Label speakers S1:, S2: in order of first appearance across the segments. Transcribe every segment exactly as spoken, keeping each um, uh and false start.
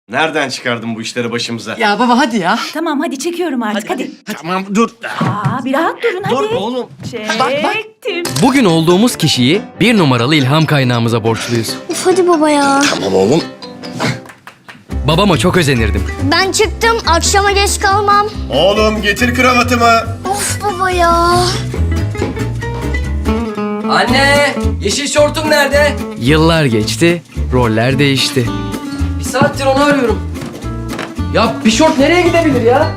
S1: Nereden çıkardın bu işleri başımıza?
S2: Ya baba hadi ya.
S3: Tamam hadi çekiyorum artık hadi.
S1: Tamam dur.
S3: Aa, bir rahat durun hadi.
S1: Dur oğlum.
S3: Çektim.
S4: Bugün olduğumuz kişiyi bir numaralı ilham kaynağımıza borçluyuz.
S5: Uf hadi baba ya.
S1: Tamam oğlum.
S4: Babama çok özenirdim.
S5: Ben çıktım, akşama geç kalmam.
S1: Oğlum getir kravatımı.
S5: Of baba ya.
S2: Anne, yeşil şortum nerede?
S4: Yıllar geçti, roller değişti.
S2: Bir saattir onu arıyorum. Ya bir şort nereye gidebilir ya?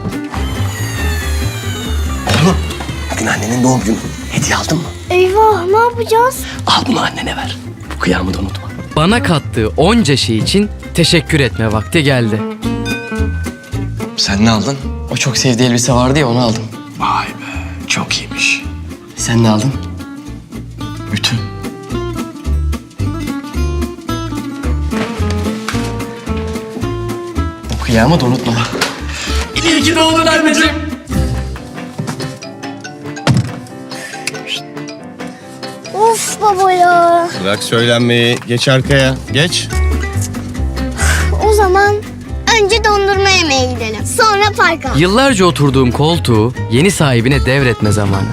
S1: Bugün annenin doğum günü. Hediye aldın mı?
S5: Eyvah, ne yapacağız?
S1: Al bunu annene ver. Bu kıyamı da unutma.
S4: Bana kattığı onca şey için teşekkür etme vakti geldi.
S6: Sen ne aldın? O çok sevdiği elbise vardı ya onu aldım.
S1: Vay be. Çok iyiymiş.
S6: Sen ne aldın?
S1: Bütün.
S6: O kıyamı da unutma.
S2: İyi ki doğdun anneciğim.
S5: Of baba ya.
S1: Bırak söylenmeyi. Geç arkaya. Geç.
S5: O zaman önce dondurma yemeye gidelim. Sonra parka.
S4: Yıllarca oturduğum koltuğu yeni sahibine devretme zamanı.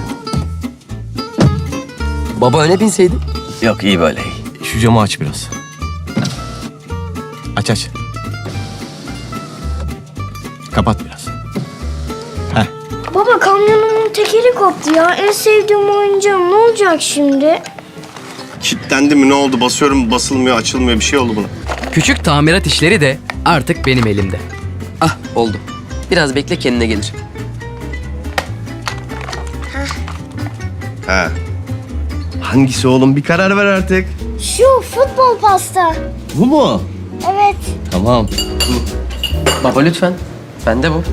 S2: Baba öne binseydin.
S1: Yok iyi böyle. Şu camı aç biraz. Aç aç. Kapat biraz. Heh.
S5: Baba kamyonumun tekeri koptu ya. En sevdiğim oyuncağım. Ne olacak şimdi?
S1: Kilitlendi mi ne oldu? Basıyorum basılmıyor açılmıyor bir şey oldu buna.
S4: Küçük tamirat işleri de artık benim elimde.
S2: Ah oldu. Biraz bekle kendine gelir.
S1: He. Hangisi oğlum bir karar ver artık.
S5: Şu futbol pasta.
S1: Bu mu?
S5: Evet.
S1: Tamam.
S2: Baba lütfen. Bende bu.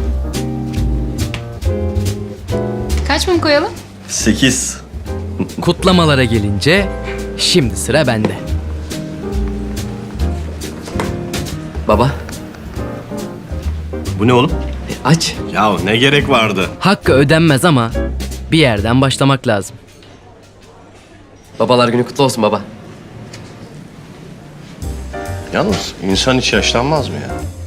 S7: Kaç mum koyalım?
S1: Sekiz.
S4: Kutlamalara gelince şimdi sıra bende.
S2: Baba
S1: Bu ne oğlum?
S2: e, aç.
S1: Ya ne gerek vardı?
S4: Hakkı ödenmez ama bir yerden başlamak lazım.
S2: Babalar günü kutlu olsun baba.
S1: Yalnız insan hiç yaşlanmaz mı ya?